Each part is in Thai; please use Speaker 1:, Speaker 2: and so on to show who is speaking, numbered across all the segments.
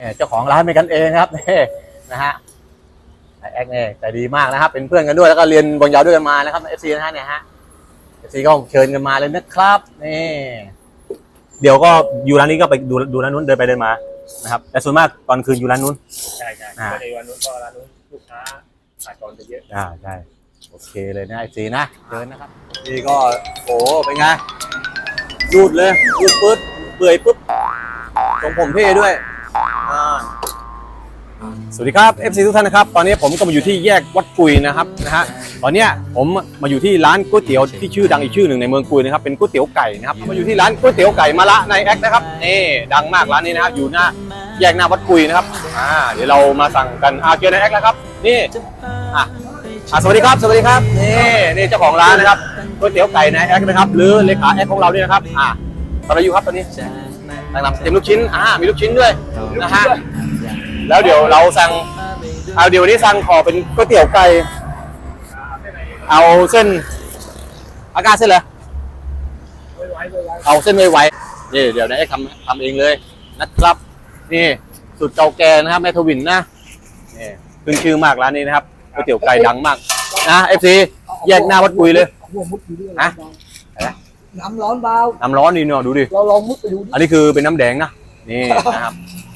Speaker 1: เจ้าของร้านเป็นกันเองครับนี่นะฮะแอคเนี่ยใจดีมากนะครับเป็นเพื่อนกันด้วยแล้วก็เรียนบอลยาวด้วยกันมานะครับFCนะฮะเนี่ยฮะFCก็เชิญกันมาเลยนะครับนี่เดี๋ยวก็อยู่ร้านนี้ก็ไปดูร้านนู้นเดินไปเดินมานะครับแต่ส่วนมากตอนคืนอยู่ร้านนู้น
Speaker 2: ใช่ก็ในวันนู้นก็ร้านนู้นลูกค้าขาดตอนจะเยอะ
Speaker 1: ใช่โอเคเลยนะFCนะเดินนะครับนี่ก็โอ้เป็นไงรูดเลยรูดปึ๊ดเปื่อยปึ๊บตรงผมเท่ด้วยสวัสดีครับ FC ทุกท่านนะครับตอนนี้ผมก็มาอยู่ที่แยกวัดกุยนะครับตอนนี้ผมมาอยู่ที่ร้านก๋วยเตี๋ยวที่ชื่อดังอีกชื่อหนึ่งในเมืองกุยนะครับเป็นก๋วยเตี๋ยวไก่นะครับมาอยู่ที่ร้านก๋วยเตี๋ยวไก่มะละในแอคนะครับนี่ดังมากร้านนี้นะครับอยู่หน้าแยกหน้าวัดกุยนะครับเดี๋ยวเรามาสั่งกันเจอในแอคแล้วครับนี่สวัสดีครับนี่เจ้าของร้านนะครับก๋วยเตี๋ยวไก่ในแอคนะครับหรือเลขาแอคของเราเนี่ยนะครับทำอะไรอยู่ครับตอนนี้ตั้งนำเต็มลูกชิ้นมีลูกชิ้นด้วยนะฮะแล้วเดี๋ยวเราสั่งเดี๋ยวนี้สั่งขอเป็นก๋วยเตี๋ยวไก่เอาเส้นอาการเส้นเลยเอาเส้นไวๆนี่เดี๋ยวนะทำเองเลยนะครับนี่สูตรเก่าแก่นะครับแม่ทวินนะนี่ขึ้นชื่อมากร้านนี้นะครับก๋วยเตี๋ยวไก่ดังมากนะ FC แยกหน้าวัดกุยเลย
Speaker 3: น้ำร้อนเบา
Speaker 1: น้ำร้อนนี่เนาะดูดิ
Speaker 3: เราลองมุดไปดู
Speaker 1: อันนี้คือเป็นน้ำแดงนะนี่นะครับ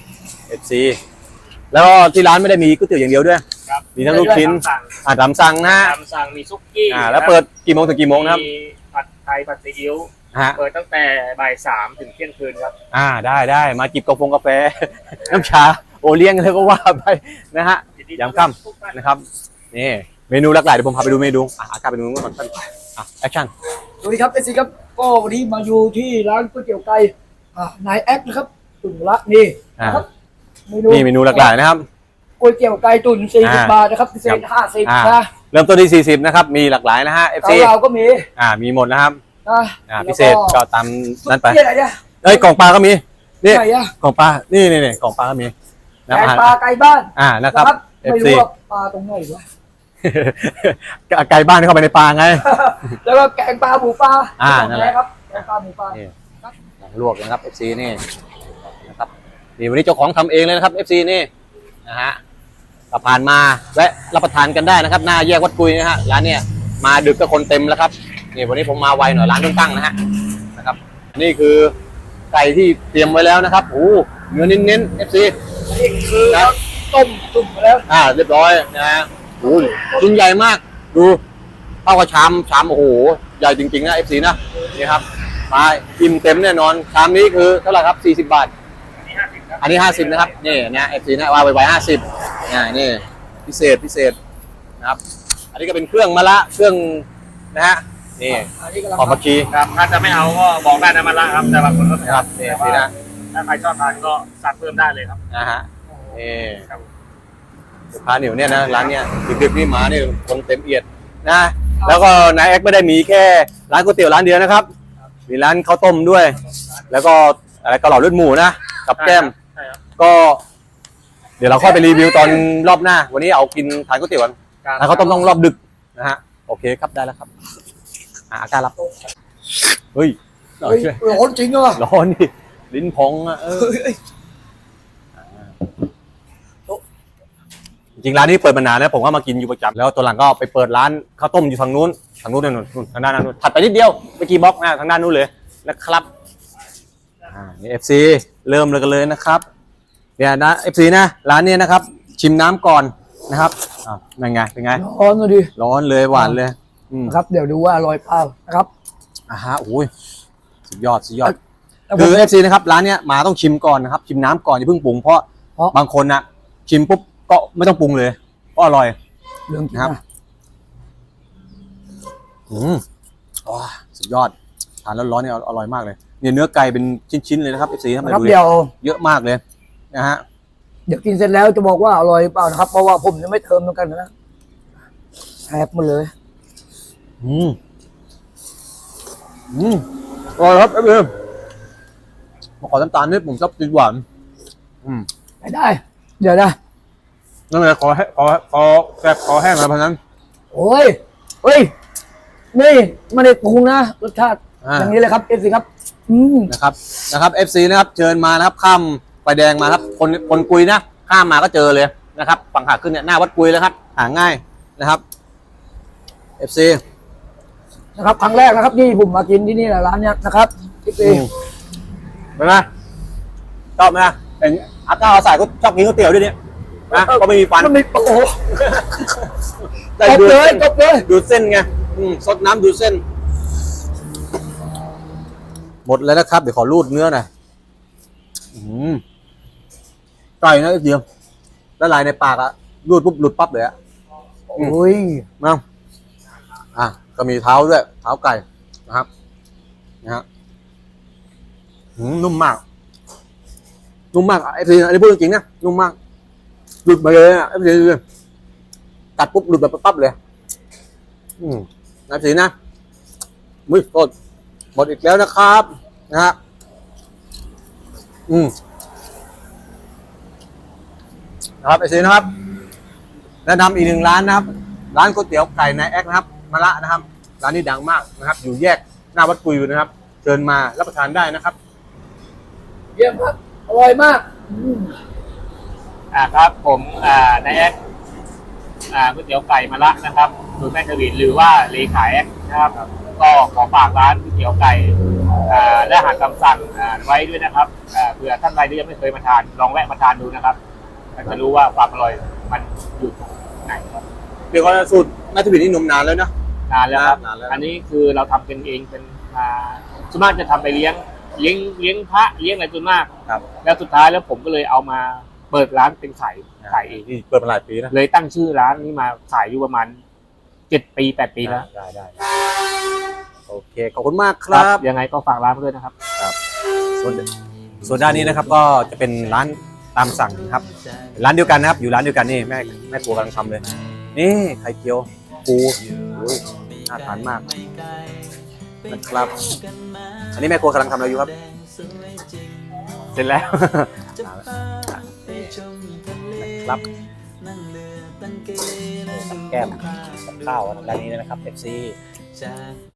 Speaker 1: FC แล้วที่ร้านไม่ได้มีก๋วยเตี๋ยวอย่างเดียวด้วยมีทั้งลูกชิ้นตามสั่งนะ
Speaker 2: ตามสั่งมีซุกี้
Speaker 1: แล้วเปิดกี่โมงถึงกี่โมงนะครับ
Speaker 2: มีผัดไทยผัดซีอิ๊วเปิดตั้งแต่บ่าย 3 ถึงเที่ยงคืนครับ
Speaker 1: ได้มาจิบกาแฟน้ำชาโอเลี้ยงอะไรก็ว่าไปนะฮะยามค่ำนะครับนี่เมนูหลากหลายเดี๋ยวผมพาไปดูเมนูอากาศไปดูก่อนท่านแอคชั่น
Speaker 3: สวัสดีครับFCครับก็วันนี้มาอยู่ที่ร้านก๋วยเตี๋ยวไก่นายแอคนะครับตุ๋นละนี่นะครับ
Speaker 1: เมนูหลากหลายนะครับ
Speaker 3: ก๋วยเตี๋ยวไก่ตุ๋น40 บาทนะครับพิเศษ50นะ
Speaker 1: เริ่มต้นที่40นะครับมีหลากหลายนะฮะ FC
Speaker 3: เราก็มี
Speaker 1: มีหมดนะครับพิเศษก็ตามนั้นไปกล่องปลาก็มีนี่กล่องปลานี่กล่องปลาก็มี
Speaker 3: แกงปลาไก่บ้าน
Speaker 1: นะครับ
Speaker 3: ไม่รู้ว่าปลาตรงไหนวะ
Speaker 1: ไก่บ้านเข้าไปในปลาไง
Speaker 3: แล้วก็แกงปลาหมูปลานั่นแหละครับแกงปลาหมูปลา
Speaker 1: ลวกนะครับ FC นี่นะครับนี่วันนี้เจ้าของทำเองเลยนะครับ FC นี่นะฮะผ่านมาแวะรับประทานกันได้นะครับหน้าแยกวัดกุยนะฮะร้านเนี่ยมาดึกก็คนเต็มแล้วครับนี่วันนี้ผมมาไวหน่อยร้านเพิ่งตั้งนะฮะนะครับนี่คือไก่ที่เตรียมไว้แล้วนะครับโอ้เนื้อเน้นๆ FC
Speaker 3: นี่คือต้มจุ่มแล้ว
Speaker 1: เรียบร้อยนะฮะโอ้ชิ้นใหญ่มากดูเท่ากับชามโอ้โหใหญ่จริงๆนะ FC นะนี่ครับมาอิ่มเต็มแน่นอนชามนี้คือเท่าไหร่ครับ40 บาทอันนี้50นะครับนี่นะ FC นะว่าไวๆ50นี่พิเศษนะครับอันนี้ก็เป็นเครื่องมะละเครื่องนะฮะนี่หอมผักชี
Speaker 2: ครับถ้าจะไม่เอาก็บอกได้นะมะละครับแต่บางคนก็
Speaker 1: ครับนี่นะ
Speaker 2: ถ้าใครชอบทานก็สั่งเพิ่มได้เลยครับ
Speaker 1: ฮะนี่ลูกค้าเหนียวเนี่ยนะร้านเนี้ยดึกๆนี่มาเนี่ยคนเต็มเอียดนะแล้วก็นายแอคไม่ได้มีแค่ร้านก๋วยเตี๋ยวร้านเดียวนะครับมีร้านข้าวต้มด้วยแล้วก็อะไรกะหล่ำเลือดหมูนะกับแก้มก็เดี๋ยวเราค่อยไปรีวิวตอนรอบหน้าวันนี้เอากินทานก๋วยเตี๋ยวกันแล้วเขาต้องรอบดึกนะฮะโอเคครับได้แล้วครับอาการรับเฮ้ย
Speaker 3: ร้อนจริงอ่ะ
Speaker 1: ร้อนดิลิ้นพองจริงร้านนี้เปิดมานานแล้วผมก็มากินอยู่ประจำแล้วตัวหลังก็ไปเปิดร้านข้าวต้มอยู่ทางนู้นนู่นทางด้านนู้นถัดไปนิดเดียวไปกี่บล็อกทางด้านนู้นเลยนะครับนี่ FC เริ่มเลยนะครับเนี่ยนะ FC นะร้านนี้นะครับชิมน้ำก่อนนะครับเป็นไง
Speaker 3: ร้อนเลย
Speaker 1: ร้อนเลยหวานเลย
Speaker 3: ครับเดี๋ยวดูว่าอร่อยเปล่านะครับ
Speaker 1: โอ้ยสุดยอดคือ FC นะครับร้านเนี้ยมาต้องชิมก่อนนะครับชิมน้ำก่อนอย่าเพิ่งปรุงเพราะบางคนนะชิมปุ๊บก็ไม่ต้องปรุงเลยก็อร่อย
Speaker 3: เรื่อง
Speaker 1: นะครับสุดยอดทานแล้วร้อนเนี่ยอร่อยมากเลยเนี่ยเนื้อไก่เป็นชิ้นๆเลยนะครับ FC
Speaker 3: ครับเดี๋ยว
Speaker 1: เยอะมากเลยนะฮะ
Speaker 3: เดี๋ยวกินเสร็จแล้วจะบอกว่าอร่อยเปล่านะครับเพราะว่าผมจะไม่เติมเหมือนกันนะแอบหมดเลย
Speaker 1: อร่อยครับเอฟมาขอน้ำตาลนิดผมชอบกินหวาน
Speaker 3: ได้เดี๋ยวนะ
Speaker 1: นั่นเลยขอแซ่บขอแห้งอะไรพันนั้น
Speaker 3: โอ้ยนี่ไม่ได้ปรุงนะรสชาติอย่างนี้เลยครับ FC ครับ
Speaker 1: นะครับ FC นะครับเชิญมานะครับค่ำไฟแดงมาครับคนกุยนะข้ามมาก็เจอเลยนะครับฝั่งขาขึ้นเนี่ยหน้าวัดกุยแล้วครับหาง่ายนะครับ FC
Speaker 3: นะครับครั้งแรกนะครับที่ผมมากินที่นี่แหละร้านเนี้ยนะครับที่ปี
Speaker 1: เป็นไงชอบไหมเป็นอาก้าใส่ก็ชอบกินก๋วยเตี๋ยวด้วยเนี่ยนะก็ไม่มีฟัน
Speaker 3: มันมีโอ้โห
Speaker 1: ได้
Speaker 3: จบเลยจบเลย
Speaker 1: ดูดเส้นไงซดน้ำดูดเส้น หมดแล้วนะครับเดี๋ยวขอรูดเนื้อหน่อยไก่นะเดียวละลายในปากอะรูดปุ๊บหลุดปั๊บเลยอะ
Speaker 3: โอ้ย
Speaker 1: มาก็มีเท้าด้วยเท้าไก่นะครับนะฮะนุ่มมากไอ้ทีอันนี้พูดจริงๆนะนุ่มมากหลุดมาเลยอะไอ้ทีกัดปุ๊บหลุดแบบปั๊บเลยนะทีนะมุ้ยโทษหมดอีกแล้วนะครับนะฮะนะครับไอ้ทีนะครับแนะนำอีกหนึ่งร้านนะครับร้านก๋วยเตี๋ยวไก่นายแอ๊กนะครับมะละนะครับร้านนี้ดังมากนะครับอยู่แยกหน้าวัดกุยอยู่นะครับเชิญมารับประทานได้นะครับ
Speaker 3: เยี่ยมครับอร่อยมาก
Speaker 2: ครับผมนายแอ๊กก๋วยเตี๋ยวไก่มะละนะครับสูตรแม่ทวินหรือว่าเลขาแอ๊กนะครับก็ขอฝากร้านก๋วยเตี๋ยวไก่และอาหารตามสั่งไว้ด้วยนะครับเผื่อท่านใดที่ยังไม่เคยมาทานลองแวะมาทานดูนะครับจะรู้ว่าความอร่อยมันอยู่ตรงไหนครับ
Speaker 1: เดี๋ยวก็สูตรแม่ทวินนี่นมนานแล้วนะ
Speaker 2: นานแล้วครับ
Speaker 1: นานแล้ว
Speaker 2: อันนี้คือเราทำกันเองเป็นส่วนมากจะทำไปเลี้ยงพระเลี้ยงอะไรส่วนมาก
Speaker 1: ครับ
Speaker 2: แล้วสุดท้ายแล้วผมก็เลยเอามาเปิดร้านเป็นขายเอง
Speaker 1: นี่เปิดมาหลายปีนะ
Speaker 2: เลยตั้งชื่อร้านนี้มาขายอยู่ประมาณ7 ปี 8 ปีแล้ว
Speaker 1: ได้โอเคขอบคุณมากครับ
Speaker 2: ยังไงก็ฝากร้านไว้ด้วยนะครับ
Speaker 1: ส่วนด้านนี้นะครับก็จะเป็นร้านตามสั่งนะครับร้านเดียวกันนะครับอยู่ร้านเดียวกันนี่แม่ครัวกำลังทำเลยนี่ไข่เจียวปูน่าทานมากนะครับอันนี้แม่ครัวกำลังทำอะไรอยู่ครับเสร็จแล้วนะครับแก้มกับข้าวร้านนี้นะครับ FC